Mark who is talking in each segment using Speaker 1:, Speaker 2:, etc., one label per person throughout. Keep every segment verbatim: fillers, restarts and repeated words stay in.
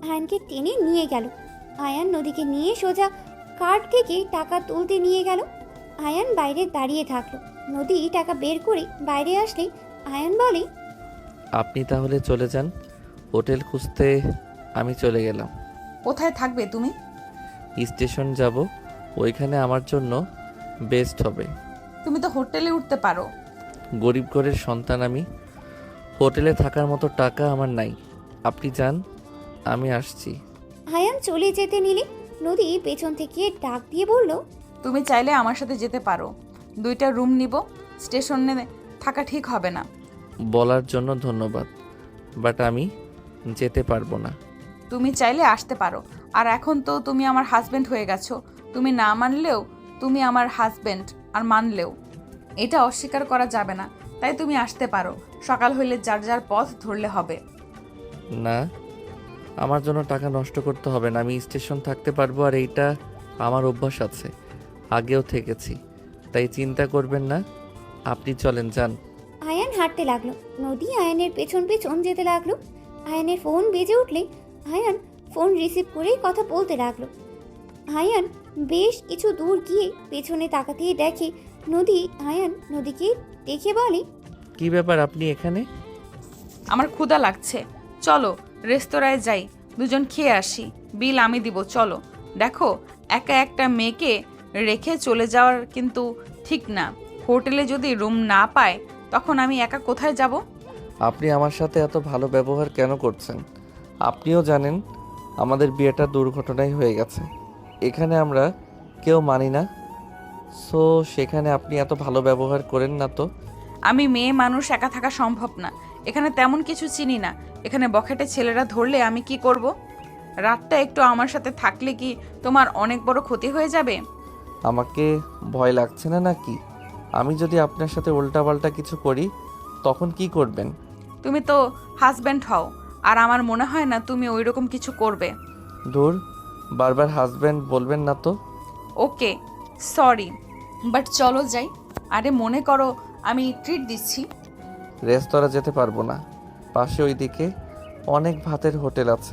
Speaker 1: আয়ানকে টেনে নিয়ে গেল। আয়ান নদীকে নিয়ে সোজা কার্ড থেকে টাকা তুলতে নিয়ে গেল। আয়ান বাইরে দাঁড়িয়ে থাকলো। নদী টাকা বের করে বাইরে আসলে আয়ান বলে,
Speaker 2: আপনি তাহলে চলে যান, হোটেল খুঁজতে আমি চলে গেলাম।
Speaker 3: কোথায় থাকবে তুমি?
Speaker 2: স্টেশন যাব, ওইখানে আমার জন্য বেস্ট হবে।
Speaker 3: তুমি তো হোটেলে উঠতে পারো।
Speaker 2: গরিব ঘরের সন্তান আমি, হোটেলে থাকার মতো টাকা আমার নাই। আপনি যান, আমি আসছি।
Speaker 1: আয়ান চলে যেতে নিলে নদী পেছন থেকে ডাক দিয়ে বলল,
Speaker 3: তুমি চাইলে আমার সাথে যেতে পারো। দুইটা রুম নিব, স্টেশনে থাকা ঠিক হবে না।
Speaker 2: বলার জন্য ধন্যবাদ, বাট আমি যেতে পারবো না।
Speaker 3: তুমি চাইলে আসতে পারো। আর এখন তো তুমি আমার হাজবেন্ড হয়ে গেছো। তুমি না মানলেও তুমি আমার হাজবেন্ড, আর মানলেও এটা অস্বীকার করা যাবে না। তাই তুমি আসতে পারো। সকাল হইলে যার যার পথ ধরলে হবে।
Speaker 2: না, আমার জন্য টাকা নষ্ট করতে হবে না। আমি স্টেশন থাকতে পারবো, আর এইটা আমার অভ্যাস আছে, আগেও থেকেছি, তাই চিন্তা করবেন না। আপনি চলেন, যান।
Speaker 1: আয়ান হাঁটতে লাগলো। নদী আয়ানের পেছন পেছন যেতে লাগলো। আয়ানের ফোন বেজে উঠলে আয়ান ফোন রিসিভ করে কথা বলতে লাগলো। আয়ান বেশ কিছু দূর গিয়ে পেছনে তাকাতেই দেখে নদী। আয়ান নদীকে দেখে বলে,
Speaker 2: কি ব্যাপার, আপনি এখানে?
Speaker 3: আমার ক্ষুধা লাগছে, চলো রেস্তোরাঁয় যাই, দুজন খেয়ে আসি। বিল আমি দিব, চলো। দেখো, একা একটা মেয়েকে রেখে চলে যাওয়ার কিন্তু ঠিক না। হোটেলে যদি রুম না পায় তখন আমি একা কোথায় যাব?
Speaker 2: আপনি আমার সাথে এত ভালো ব্যবহার কেন করছেন? আপনিও জানেন আমাদের বিয়েটা দুর্ঘটনায় হয়ে গেছে, এখানে আমরা কেউ মানি না। সো সেখানে আপনি এত ভালো ব্যবহার করেন না তো।
Speaker 3: আমি মেয়ে মানুষ, একা থাকা সম্ভব না। এখানে তেমন কিছু চিনি না। এখানে বখাটে ছেলেরা ধরলে আমি কি করব? রাতটা একটু আমার সাথে থাকলে কি তোমার অনেক বড় ক্ষতি হয়ে যাবে?
Speaker 2: আমাকে ভয় লাগছে না নাকি? আমি যদি আপনার সাথে উল্টাপাল্টা কিছু করি তখন কি করবেন?
Speaker 3: তুমি তো হাজব্যান্ড হও, আর আমার মনে হয় না তুমি ওই রকম কিছু করবে।
Speaker 2: দূর, বারবার হাজব্যান্ড বলবেন না তো।
Speaker 3: ওকে, সরি, বাট চলো যাই। আরে মনে করো আমি ট্রিট দিচ্ছি।
Speaker 2: রেস্তোরাঁ যেতে পারবো না, পাশে ওইদিকে অনেক ভাতের হোটেল আছে,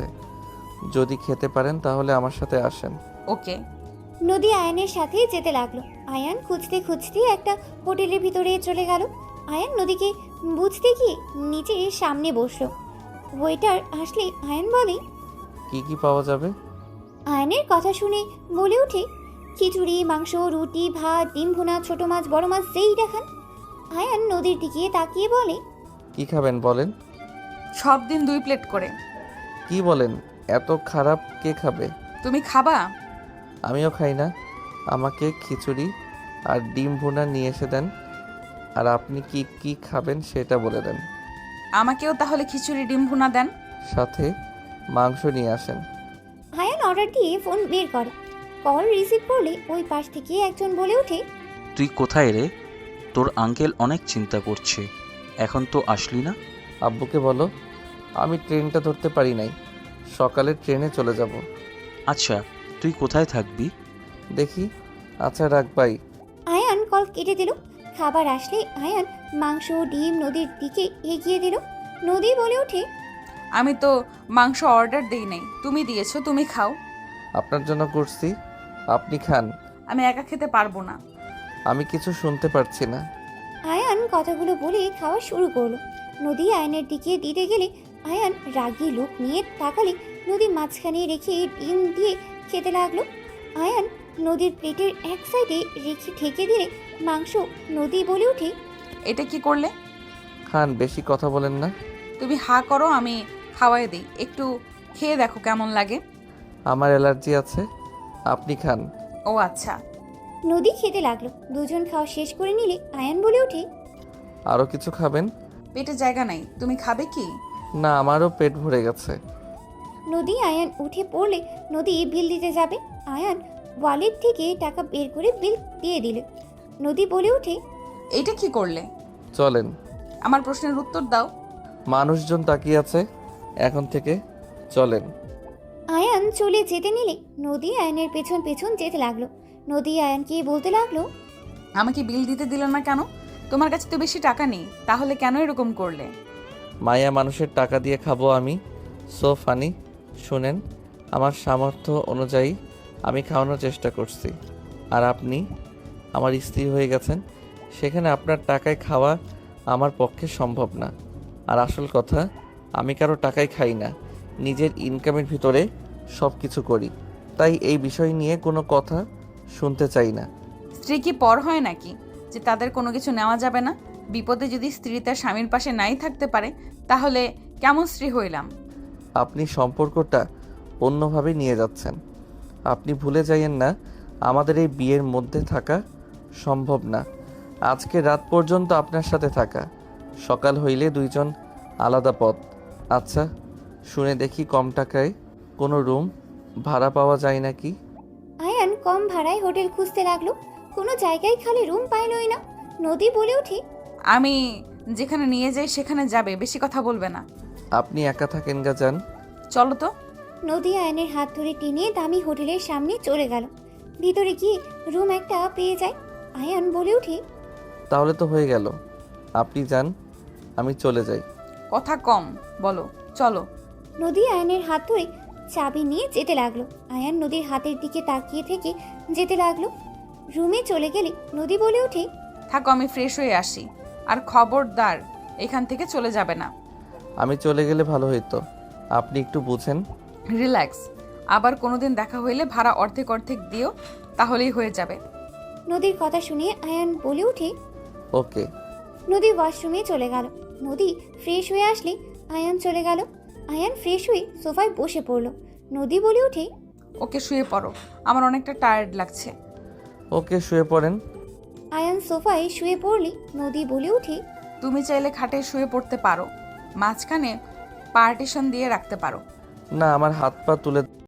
Speaker 2: যদি খেতে পারেন তাহলে আমার সাথে আসেন।
Speaker 3: ওকে।
Speaker 1: নদী আয়ানের সাথে যেতে লাগলো। আয়ান খুঁজতে খুঁজতে একটা হোটেলের ভিতরে চলে গেল। আয়ান নদীকে বুঝতে গিয়ে নিচে সামনে বসলো। ওয়েটার আসলে আয়ান বলে,
Speaker 2: কি কি পাওয়া যাবে?
Speaker 1: আয়ানের কথা শুনে বলে ওঠে, খিচুড়ি, মাংস, রুটি, ভাত, ডিম ভুনা, ছোট মাছ, বড় মাছ, যেই দেখান। আয়ান নদীর দিকে তাকিয়ে বলে,
Speaker 2: কি খাবেন বলেন?
Speaker 3: সব দিন দুই প্লেট করে।
Speaker 2: কি বলেন, এত খারাপ কে খাবে?
Speaker 3: তুমি খাবা?
Speaker 2: আমিও খাই না। আমাকে খিচুড়ি আর ডিম ভুনা নিয়ে এসে দেন, আর আপনি কি কি খাবেন সেটা বলে দেন।
Speaker 3: আমাকেও তাহলে খিচুড়ি ডিম ভুনা দেন।
Speaker 2: সাথে মাংস নিয়ে আসেন।
Speaker 1: আয়ান অর্ডার দিয়ে ফোন বের করে। কল রিসিভ করলে ওই পাশ থেকে একজন বলে ওঠে,
Speaker 4: তুই কোথায় রে? তোর আঙ্কেল অনেক চিন্তা করছে, এখন তো আসলি না।
Speaker 2: আব্বুকে বলো আমি ট্রেনটা ধরতে পারি নাই, সকালে ট্রেনে চলে যাব।
Speaker 4: আচ্ছা, তুই কোথায় থাকবি?
Speaker 2: দেখি। আচ্ছা রাখ বাই।
Speaker 1: আয়ান কল কেটে দিল। খাবার আসলে আয়ান মাংস, ডিম নদীর দিকে এগিয়ে দিল। নদী বলে ওঠে,
Speaker 3: আমি তো মাংস অর্ডার দেই নাই, তুমি দিয়েছো, তুমি খাও।
Speaker 2: আপনার জন্য করছি, আপনি খান।
Speaker 3: আমি একা খেতে পারবো না।
Speaker 2: আমি কিছু শুনতে পারছি না।
Speaker 1: আয়ান কথাগুলো বলে খাওয়া শুরু করলো। নদী আয়ানের দিকে দিতে গেলে আয়ান রাগী লোক নিয়ে তাকালে নদী মাঝখানে রেখে ডিম দিয়ে খেতে লাগলো। আয়ান নদীর প্লেটের এক সাইডে রেখে ঠেকে দিলে মাংস। নদী বলে ওঠে,
Speaker 3: এটা কি করলে?
Speaker 2: খান, বেশি কথা বলেন না।
Speaker 3: তুমি হা করো, আমি খাওয়াই দিই। একটু খেয়ে দেখো কেমন লাগে।
Speaker 2: আমার অ্যালার্জি আছে, আপনি খান।
Speaker 3: ও আচ্ছা।
Speaker 1: নদী খেতে লাগলো। দুজন খাওয়া শেষ করে নিলে আয়ান বলে ওঠে,
Speaker 2: আরও কিছু খাবেন?
Speaker 3: পেটে জায়গা নাই, তুমি খাবে কি?
Speaker 2: না, আমারও পেট ভরে গেছে।
Speaker 1: নদী আয়ান উঠে পড়লে নদী বিল দিতে যাবে। আয়ান ওয়ালেট থেকে টাকা বের করে বিল দিয়ে দিল। নদী বলে ওঠে,
Speaker 3: এইটা কি করলে?
Speaker 2: চলেন।
Speaker 3: আমার প্রশ্নের উত্তর দাও।
Speaker 2: মানুষজন তাকিয়ে আছে, এখন থেকে চলেন।
Speaker 1: আয়ান চলে যেতে নিলে নদী আয়ানের পেছন পেছন যেতে লাগলো। নদী আয়ানকে বলতে লাগলো,
Speaker 3: আমাকে বিল দিতে দিল না কেন? তোমার কাছে তো বেশি টাকা নেই, তাহলে কেন এরকম করলে?
Speaker 2: মায়া মানুষের টাকা দিয়ে খাবো আমি? So funny. শুনেন, আমার সামর্থ্য অনুযায়ী আমি খাওয়ানোর চেষ্টা করছি, আর আপনি আমার স্ত্রী হয়ে গেছেন, সেখানে আপনার টাকায় খাওয়া আমার পক্ষে সম্ভব না। আর আসল কথা, আমি কারো টাকায় খাই না, নিজের ইনকামের ভিতরে সব কিছু করি, তাই এই বিষয় নিয়ে কোনো কথা শুনতে চাই না।
Speaker 3: স্ত্রী কি পর হয় নাকি যে তাদের কোনো কিছু নেওয়া যাবে না? বিপদে যদি স্ত্রী তার স্বামীর পাশে নাই থাকতে পারে, তাহলে কেমন স্ত্রী হইলাম?
Speaker 2: আপনি সম্পর্কটা অন্যভাবে নিয়ে যাচ্ছেন। আপনি ভুলে যাইয়েন না, আমাদের এই বিয়ের মধ্যে থাকা সম্ভব না। আজকে রাত পর্যন্ত আপনার সাথে থাকা, সকাল হইলে দুইজন আলাদা পথ। আচ্ছা, শুনে দেখি কম টাকায় কোনো রুম ভাড়া পাওয়া যায় নাকি?
Speaker 1: আয়ান কম ভাড়ায় হোটেল খুঁজতে লাগলো, কোনো জায়গায় খালি রুম পাইলই না। নদী বলে ওঠে,
Speaker 3: আমি যেখানে নিয়ে যাই সেখানে যাবে, বেশি কথা বলবে না।
Speaker 2: আপনি একা থাকেন গা, যান।
Speaker 3: চলো তো।
Speaker 1: নদী আয়নের হাত ধরে টেনে দামি হোটেলের সামনে চলে গেল। ভিতরে গিয়ে রুম একটা পেয়ে যায়। আয়ান বলে ওঠে,
Speaker 2: তাহলে তো হয়ে গেল, আপনি যান, আমি চলে যাই।
Speaker 3: কথা কম বলো, চলো।
Speaker 1: নদী আয়নের হাত ধরে চাবি নিয়ে যেতে লাগলো। আয়ান নদীর হাতের দিকে তাকিয়ে থেকে যেতে লাগলো। রুমে চলে গেলে নদী বলে ওঠে,
Speaker 3: থাকো, আমি ফ্রেশ হয়ে আসি, আর খবরদার এখান থেকে চলে যাবে না।
Speaker 2: আমি চলে গেলে ভালো হইতো, আপনি একটু বুঝেন।
Speaker 3: রিল্যাক্স, আবার কোনোদিন দেখা হইলে ভাড়া অর্ধেক অর্ধেক দিও, তাহলেই হয়ে যাবে।
Speaker 1: নদীর কথা শুনে আয়ান বলে ওঠে।
Speaker 2: ওকে।
Speaker 1: নদী ওয়াশরুমে চলে গেল। নদী ফ্রেশ হয়ে আসলে আয়ান চলে গেল। আয়ান ফ্রেশ হয়ে সোফায় বসে পড়ল। নদী বলে ওঠে,
Speaker 3: ওকে, শুয়ে পড়ো, আমার অনেকটা টায়ার্ড লাগছে।
Speaker 2: ওকে, শুয়ে পড়েন।
Speaker 1: আয়ান সোফায় শুয়ে পড়লে নদী বলে ওঠে,
Speaker 3: তুমি চাইলে খাটে শুয়ে পড়তে পারো, মাঝখানে পার্টিশন দিয়ে রাখতে পারো।
Speaker 2: না, আমার হাত পা তুলে